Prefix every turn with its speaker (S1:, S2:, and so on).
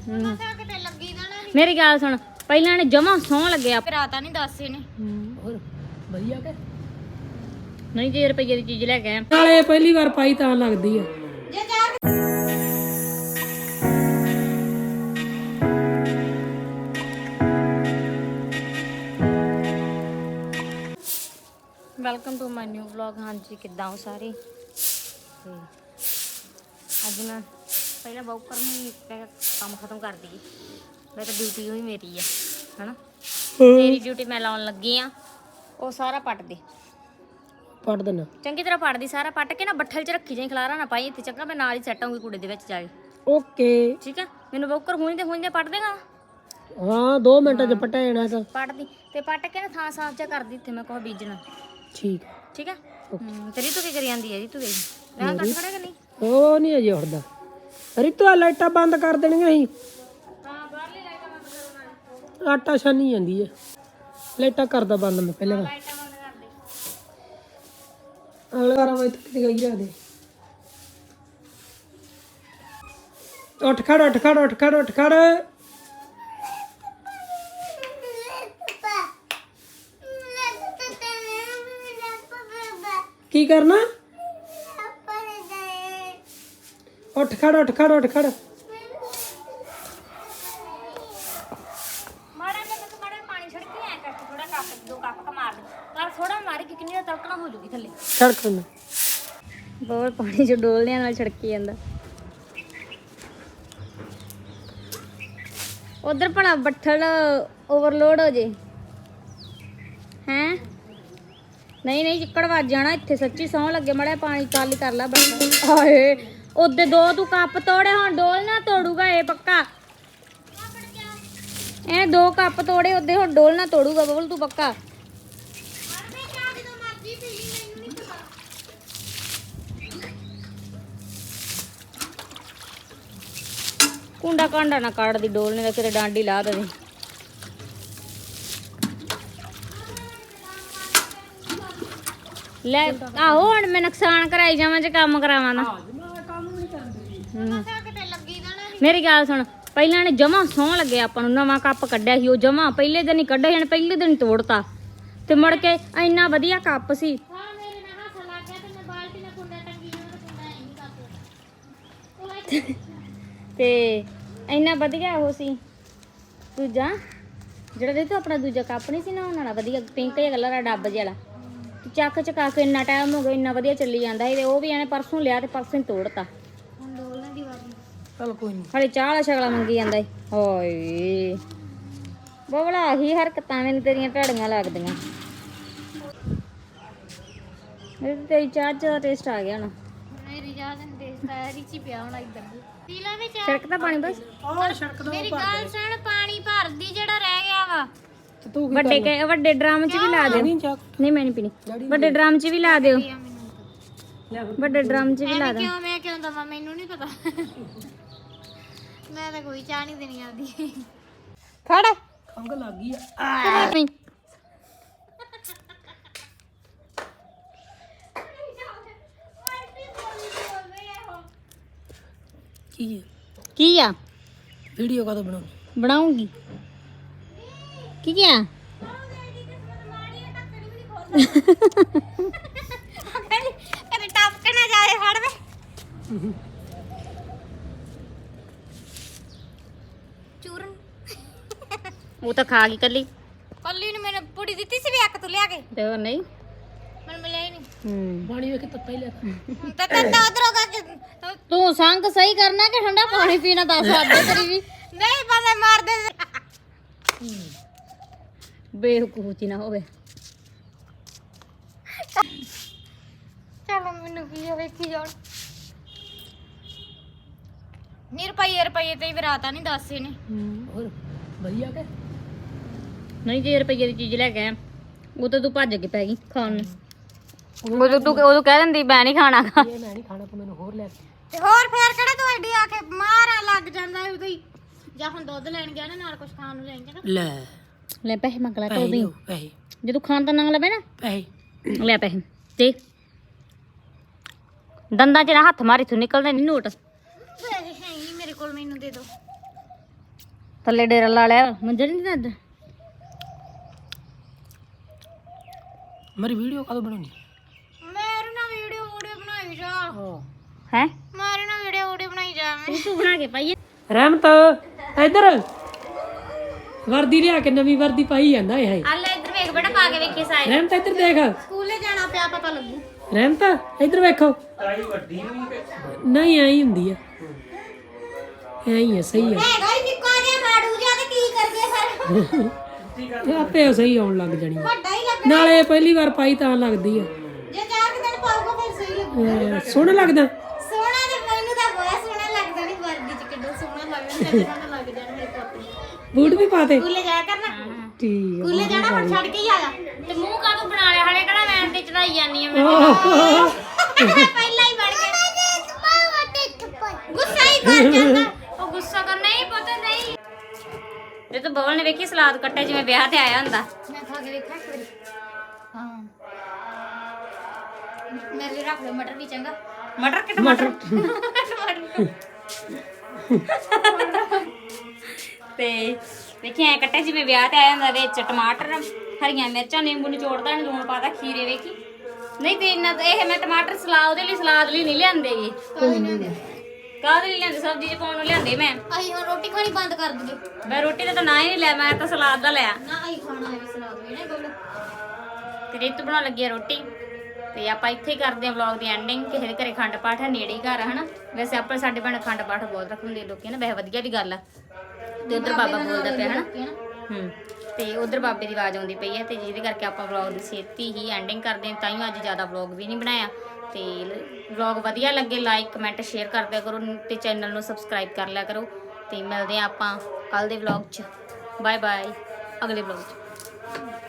S1: मेरी गल सुन पहला ने जमा सौ लगे
S2: राता नहीं दस ने
S3: ਹੋਰ ਵਧੀਆ ਕਿ
S1: नहीं 10 रुपये की चीज लेके आए
S3: ਨਾਲੇ ਪਹਿਲੀ ਵਾਰ ਪਾਈ ਤਾਂ ਲੱਗਦੀ ਆ
S1: welcome to my new vlog. हाँ जी किदा हो सारे अज मैं पहले वॉकर में काम खत्म कर दी। मैं तो ड्यूटी हुई मेरी है ना तेरी ड्यूटी मैं लाउन लगी हाँ वो सारा पट दे
S3: ਪੜ ਦੇਣਾ
S1: चंगी तरह पट दी सारा पट के ना बट्ठल च रखी जाई खलारा ना पाई इत्थे चंगा मैं नाल ही सैट होऊंगी कूड़े दे विच जाके
S3: ਓਕੇ
S1: ठीक है मैनू वॉकर हुई पट देगा
S3: ਹਾਂ 2 ਮਿੰਟਾਂ ਚ ਪਟਾ ਜਾਣਾ ਤਾਂ
S1: पट दी ते पट के ना थां साफ जा कर दी इत्थे मैं कोह बीजना
S3: ਠੀਕ
S1: ठीक है तेरी तो की करी आंदी है जी तू गई मैं कट खड़ा कि नहीं
S3: ਉਹ ਨਹੀਂ ਅਜੇ ਉੱਠਦਾ ਰਿਤੂ ਆ ਲਾਈਟਾਂ ਬੰਦ ਕਰ ਦੇਣੀਆਂ ਸੀ
S1: हां बाहरली लाइटां बंद करो ना
S3: ਆਟਾ ਛਾਨੀ ਜਾਂਦੀ ਹੈ ਲਾਈਟਾਂ ਕਰਦਾ ਬੰਦ ਮੈਂ ਪਹਿਲਾਂ
S1: लाइटां बंद कर दे
S3: ਅਗਲੇ ਵਾਰ ਮੈਂ ਕਿਤੇ ਗਈ ਰੱਖ ਦੇ ਉੱਠ ਖੜ ਉੱਠ ਖੜ ਉੱਠ ਖੜ ਉੱਠ ਖੜ ਕੀ ਕਰਨਾ ਉੱਠ ਖੜ ਉੱਠ ਖੜ ਉੱਠ ਖੜ
S1: मारा ने मैं मारा पानी छिड़के ऐ करके थोड़ा कप 2 कप का मार दे पर थोड़ा मारी कि कितनी तड़कना हो जूगी थल्ले
S3: ਸੜਕ ਨੂੰ
S1: बहुत पानी जो डोलने नाल छिड़की ਜਾਂਦਾ उधर भला बट्ठल ओवरलोड हो जे हैं नहीं नहीं चिक्कड़ ਵੱਜ ਜਾਣਾ ਇੱਥੇ ਸੱਚੀ ਸੌਂ ਲੱਗੇ ਮੜਾ ਪਾਣੀ ਕਾਲੀ ਕਰ ਲੈ ਬਸ ਆਏ ਉਹਦੇ 2 ਤੂੰ ਕੱਪ ਤੋੜੇ ਹੁਣ ਡੋਲ ਨਾ ਤੋੜੂਗਾ ਇਹ ਪੱਕਾ ਇਹ 2 ਕੱਪ ਤੋੜੇ ਉਹਦੇ ਹੁਣ ਡੋਲ ਨਾ ਤੋੜੂਗਾ ਬਬਲ ਤੂੰ ਪੱਕਾ ਕੁੰਡਾ ਕਾਂਡਾ ਨਾ ਕੱਢ ਦੀ ਡੋਲਨੇ ਦਾ ਕਿਤੇ ਡਾਂਡੀ ਲਾ ਦੇ ਲੈ ਆਹੋ ਹੁਣ ਮੈਂ ਨੁਕਸਾਨ ਕਰਾਈ ਜਾਵਾਂ ਜੇ ਕੰਮ ਕਰਾਵਾਂ ਨਾ ਮੇਰੀ ਗੱਲ ਸੁਣ ਪਹਿਲਾਂ ਨੇ ਜਮਾ ਸੌਂ ਲੱਗੇ ਆਪਾਂ ਨੂੰ ਨਵਾਂ ਕੱਪ ਕੱਢਿਆ ਸੀ ਉਹ ਜਮਾ ਪਹਿਲੇ ਦਿਨ ਹੀ ਕੱਢਿਆ ਜਾਣ ਪਹਿਲੇ ਦਿਨ ਹੀ ਤੋੜਤਾ ਤੇ ਮੁੜ ਕੇ ਇੰਨਾ ਵਧੀਆ ਕੱਪ ਸੀ ਤੇ ਇੰਨਾ ਵਧੀਆ ਉਹ ਸੀ ਦੂਜਾ ਜਿਹੜਾ ਦੇ ਤੂੰ ਆਪਣਾ ਦੂਜਾ ਕੱਪ ਨਹੀਂ ਸੀ ਨਾ ਉਹਨਾਂ ਵਾਲਾ ਵਧੀਆ ਪਿੰਕ ਜਿਹਾ ਕਲਰ ਆ ਡੱਬ ਜਿਹਾ ਵਾਲਾ ਚੱਕ ਚਕਾ ਕੇ ਇੰਨਾ ਟਾਈਮ ਹੋ ਗਿਆ ਇੰਨਾ ਵਧੀਆ ਚੱਲੀ ਜਾਂਦਾ ਸੀ ਤੇ ਉਹ ਵੀ ਇਹਨੇ ਪਰਸੋਂ ਲਿਆ ਤੇ ਪਰਸੋਂ ਹੀ ਤੋੜਤਾ ਹੁਣ ਡੋਲਣੇ ਦੀ ਵਾਰੀ
S3: ਚਲ ਕੋਈ ਨਹੀਂ
S1: ਹਲੇ ਚਾਹ ਵਾਲਾ ਸ਼ਗਲਾ ਮੰਗੀ ਜਾਂਦਾ ਈ ਹਾਏ ਬਬਲਾ ਹੀ ਹਰਕਤਾਂ ਮੈਨੂੰ ਤੇਰੀਆਂ ਢਾੜੀਆਂ ਲੱਗਦੀਆਂ ਮੇਰੇ ਤੇ ਤੇਰੀ ਚਾਹ ਦਾ ਟੇਸਟ ਆ ਗਿਆ ਨਾ
S2: मेरी याद है देश ची पिया होना इधर पीला में चाय
S1: ਛਿੜਕ ਤਾਂ ਪਾਣੀ ਬਸ
S3: ਔਰ ਸੜਕ ਦਾ
S2: मेरी गल सुन पानी भर दी जेड़ा रह गया वा
S3: ਤੂੰ
S1: ਵੱਡੇ ਡਰਮ 'ਚ ਵੀ ਲਾ ਦਿਓ
S3: ਨਹੀਂ ਚਾਹ
S1: ਨਹੀਂ ਮੈਂ ਨਹੀਂ ਪੀਣੀ ਵੱਡੇ ਡਰਮ 'ਚ ਵੀ ਲਾ ਦਿਓ
S3: ਲੈ
S1: ਵੱਡੇ ਡਰਮ 'ਚ ਵੀ ਲਾ ਦਿਓ
S2: क्यों मैं क्यों दवा मेनू नहीं पता मैं तो कोई चाह नहीं देनी आती
S1: ਫੜ
S3: ਖੰਗ ਲੱਗ ਗਈ ਆ ਕੀ ਹੈ
S1: ਕੀ ਆ
S3: ਵੀਡੀਓ ਕਦੋਂ ਬਣਾਉਣੀ
S1: ਬਣਾਉਂਗੀ ਕੀ ਆ
S2: कदे टप के ना जाए फड़ वे चूरन
S1: ਉਹ ਤਾਂ ਖਾ ਗਈ ਕੱਲੀ
S2: कल्ली ने मैंने पूरी दी सी भी एक तू लिया के
S1: ਤੇ ਹੋਰ ਨਹੀਂ
S2: मैंने मिला ही नहीं
S3: ਪਾਣੀ ਵੇਖ ਤਾਂ ਪਹਿਲੇ
S2: तो उधर होगा कि
S1: ਤੂੰ ਸੰਗ ਸਹੀ ਕਰਨਾ ਕਿ ਠੰਡਾ ਪਾਣੀ ਪੀਣਾ ਦੱਸ ਆਦੇ ਤੇਰੀ ਵੀ
S2: नहीं बंदे मार दे
S1: ਬੇਵਕੂਫੀ ਨਾ ਹੋਵੇ
S2: चलो मैनू की जो वेखी जान नी रुपये ते भी राता नहीं दस ने
S3: ਹੋਰ ਵਧੀਆ ਕਿ
S1: ਨਹੀਂ 10 ਰੁਪਏ ਦੀ ਚੀਜ਼ ਲੈ ਕੇ ਆਇਆ ਉਹ ਤਾਂ ਤੂੰ ਭੱਜ ਕੇ ਪੈ ਗਈ ਖਾਣ ਨੂੰ ਉਦੋਂ ਕਹਿ ਦਿੰਦੀ ਮੈਂ ਨਹੀਂ ਖਾਣਾ
S3: ਇਹ ਮੈਂ ਨਹੀਂ ਖਾਣਾ ਤੂੰ ਮੈਨੂੰ ਹੋਰ ਲੈ ਕੇ
S2: ਤੇ ਹੋਰ ਫੇਰ ਕਿਹੜਾ ਤੂੰ ਐਡੀ ਆ ਕੇ ਮਾਰਾ ਲੱਗ ਜਾਂਦਾ ਉਦੋਂ ਹੀ ਜਾਂ ਹੁਣ ਦੁੱਧ ਲੈਣ ਗਿਆ ਨਾ ਨਾਲ ਕੁਝ ਖਾਣ ਨੂੰ ਲੈਣ ਜਾਣਾ
S3: ਲੈ
S1: ਲੈ ਪੈਸੇ ਮੰਗ ਲੈ ਤੋਦੀ
S3: ਪੈਸੇ
S1: ਜੇ ਤੂੰ ਖਾਣ ਦਾ ਨੰਗ ਲਵੇ ਨਾ
S3: ਪੈਸੇ
S1: ਲੈ ਪੈਸੇ ਤੇ ਦੰਦਾਂ 'ਚ ਨਾ ਹੱਥ ਮਾਰੀ ਤੂੰ ਨਿਕਲਦੇ ਨਹੀਂ ਨੋਟ
S2: ਪੈਸੇ ਹੈ ਹੀ ਨਹੀਂ ਮੇਰੇ ਕੋਲ ਮੈਨੂੰ ਦੇ ਦੋ
S1: ਥੱਲੇ ਡੇਰਾ ਲਾ ਲਿਆ ਮੰਜਾ ਨਹੀਂ ਦਿੰਦਾ
S3: ਮੇਰੀ ਵੀਡੀਓ ਕਦੋਂ ਬਣਾਉਣੀ
S2: ਮੇਰੇ ਨਾਲ ਵੀਡੀਓ ਬਣਾਈ ਜਾ
S1: ਹੈ
S2: ਮੇਰੇ ਨਾਲ ਵੀਡੀਓ ਬਣਾਈ ਜਾ
S1: ਤੂੰ ਬਣਾ ਕੇ ਪਾਈਏ
S3: ਰਹਿਮਤ ਇੱਧਰ ਵਰਦੀ ਲਿਆ ਕੇ ਨਵੀਂ ਵਰਦੀ ਪਾਈ ਜਾਂਦਾ ਇਹ
S1: ਆ ਲੈ ਇੱਧਰ ਵੇਖ ਬੇਟਾ ਪਾ ਕੇ ਵੇਖੀ ਸਾਈਜ਼
S3: ਰਹਿਮਤ ਇੱਧਰ ਦੇਖ
S2: ਸਕੂਲੇ ਜਾਣਾ ਪਿਆ ਪਤਾ ਲੱਗੂ
S3: ਰਹਿਮਤ ਇੱਧਰ ਵੇਖੋ ਨਹੀਂ ਐਂ ਹੁੰਦੀ ਆ ਐਂ ਹੀ ਆ ਸਹੀ ਆ
S2: ਹੈਗਾ ਹੀ ਨਿੱਕਾ ਜਿਹਾ ਮਾੜੂ ਜਿਹਾ ਤੇ ਕੀ ਕਰਦੇ ਫਿਰ
S3: ਇਹ ਆਪੇ ਸਹੀ ਆਉਣ ਲੱਗ ਜਾਣੀ ਆ।
S2: ਵੱਡਾ ਹੀ ਲੱਗ
S3: ਨਾਲੇ ਪਹਿਲੀ ਵਾਰ ਪਾਈ ਤਾਂ ਲੱਗਦੀ ਆ
S2: ਜੇ 4 ਦਿਨ ਪਾਊਗਾ ਫਿਰ ਸਹੀ ਲੱਗੂ
S3: ਸੋਹਣਾ ਲੱਗਦਾ
S2: ਸੋਹਣਾ ਤੇ ਮੈਨੂੰ ਤਾਂ ਬਹੁਤ ਸੋਹਣਾ ਲੱਗਦਾ ਨਹੀਂ ਵਰਦੀ ਚ ਕਿੱਡਾ ਸੋਹਣਾ ਲੱਗਦਾ ਸੋਹਣਾ ਲੱਗ ਜਾਣਾ ਮੇਰੇ ਪੁੱਤ
S3: ਬੂਟ ਵੀ ਪਾ ਦੇ
S2: ਸਕੂਲੇ ਜਾਇਆ ਕਰਨਾ
S3: ਠੀਕ
S2: ਸਕੂਲੇ ਜਾਣਾ ਹੁਣ ਛੱਡ ਕੇ ਹੀ ਆਇਆ
S1: ਤੇ ਮੂੰਹ ਕਾਹਨੂੰ ਬਣਾ ਲਿਆ ਹਲੇ ਕਿਹੜਾ ਵੈਨ ਤੇ ਚੜਾਈ ਜਾਨੀ ਆ ਮੈਂ
S2: ਪਹਿਲਾਂ ਹੀ ਵੜ ਗਿਆ ਗੁੱਸਾ ਹੀ ਕਰ ਜਾਂਦਾ
S1: ਉਹ ਗੁੱਸਾ ਕਰ ਨਹੀਂ ਪਤਾ ਨਹੀਂ ਜੇ ਤੂੰ ਬਵਲ ਨੇ ਵੇਖੀ ਸਲਾਦ ਕੱਟੇ ਜਿਵੇਂ ਵਿਆਹ ਤੇ ਆਇਆ ਹੁੰਦਾ
S2: ਮੈਂ ਖਾ ਕੇ ਵੇਖਾਂ ਇੱਕ ਵਾਰੀ ਹਾਂ ਮੇਰੇ ਲਈ ਰੱਖ ਲਓ ਮਟਰ ਵੀ ਚੰਗਾ
S1: ਮਟਰ ਕਿ ਟਮਾਟਰ ਤੇ ਵੇਖੀ ਐ ਕੱਟੇ ਜਿਵੇਂ ਵਿਆਹ ਤੇ ਆਇਆ ਹੁੰਦਾ ਵਿੱਚ ਟਮਾਟਰ ਹਰੀਆਂ ਮਿਰਚਾਂ ਨਿੰਬੂ ਨਿਚੋੜਦਾ ਲੂਣ ਪਾਦਾ ਖੀਰੇ ਵੇਖੀ ਨਹੀਂ ਤੇ ਇੰਨਾ ਇਹ ਮੈਂ ਟਮਾਟਰ ਸਲਾਦ ਲਈ ਨਹੀਂ ਲਿਆਂਦੇਗੇ ਕਾਹਦੇ ਲਈ ਲਿਆਂਦੇ ਸਬਜ਼ੀ ਚ ਪਾਉਣ ਨੂੰ ਲਿਆਂਦੇ ਮੈਂ
S2: ਅਸੀਂ ਹੁਣ ਰੋਟੀ ਖਾਣੀ ਬੰਦ ਕਰ ਦਈਏ
S1: ਮੈਂ ਰੋਟੀ ਦਾ ਤਾਂ ਨਾ ਹੀ ਨਹੀਂ ਲਿਆ ਮੈਂ ਤਾਂ ਸਲਾਦ ਦਾ ਲਿਆ
S2: ਨਾ ਅਸੀਂ ਖਾਣਾ ਹੈ ਸਲਾਦ ਵੀ ਨਾ ਗੋਲ
S1: ਤੇ ਰੀਤੂ ਬਣਾਉਣ ਲੱਗੀ ਆ ਰੋਟੀ ਤੇ ਆਪਾਂ ਇੱਥੇ ਹੀ ਕਰਦੇ ਆ ਵਲੌਗ ਦੀ ਐਂਡਿੰਗ ਕਿਸੇ ਦੇ ਘਰੇ ਖੰਡ ਪਾਠ ਹੈ ਨੇੜੇ ਹੀ ਘਰ ਆ ਹਨਾ ਵੈਸੇ ਆਪਾਂ ਸਾਡੇ ਪਿੰਡ ਖੰਡ ਪਾਠ ਬਹੁਤ ਰੱਖਦੇ ਲੋਕੀ ਨਾ ਵੈਸੇ ਵਧੀਆ ਵੀ ਗੱਲ ਆ ਤੇ ਉਧਰ ਬਾਬਾ ਬੋਲਦਾ ਪਿਆ ਹਨਾ ਤੇ ਉਧਰ ਬਾਬੇ ਦੀ ਆਵਾਜ਼ ਆਉਂਦੀ ਪਈ ਹੈ ਤੇ ਜਿਹਦੇ ਕਰਕੇ ਆਪਾਂ ਵਲੌਗ ਦੀ ਛੇਤੀ ਹੀ ਐਂਡਿੰਗ ਕਰਦੇ ਹਾਂ ਤਾਂ ਹੀ ਅੱਜ ਜ਼ਿਆਦਾ ਵਲੌਗ ਵੀ ਨਹੀਂ ਬਣਾਇਆ ਤੇ ਵਲੌਗ ਵਧੀਆ ਲੱਗੇ ਲਾਈਕ ਕਮੈਂਟ ਸ਼ੇਅਰ ਕਰ ਦਿਆ ਕਰੋ ਤੇ ਚੈਨਲ ਨੂੰ ਸਬਸਕ੍ਰਾਈਬ ਕਰ ਲਿਆ ਕਰੋ ਤੇ ਮਿਲਦੇ ਆ ਆਪਾਂ ਕੱਲ ਦੇ ਵਲੌਗ 'ਚ ਬਾਏ ਬਾਏ ਅਗਲੇ ਵਲੌਗ 'ਚ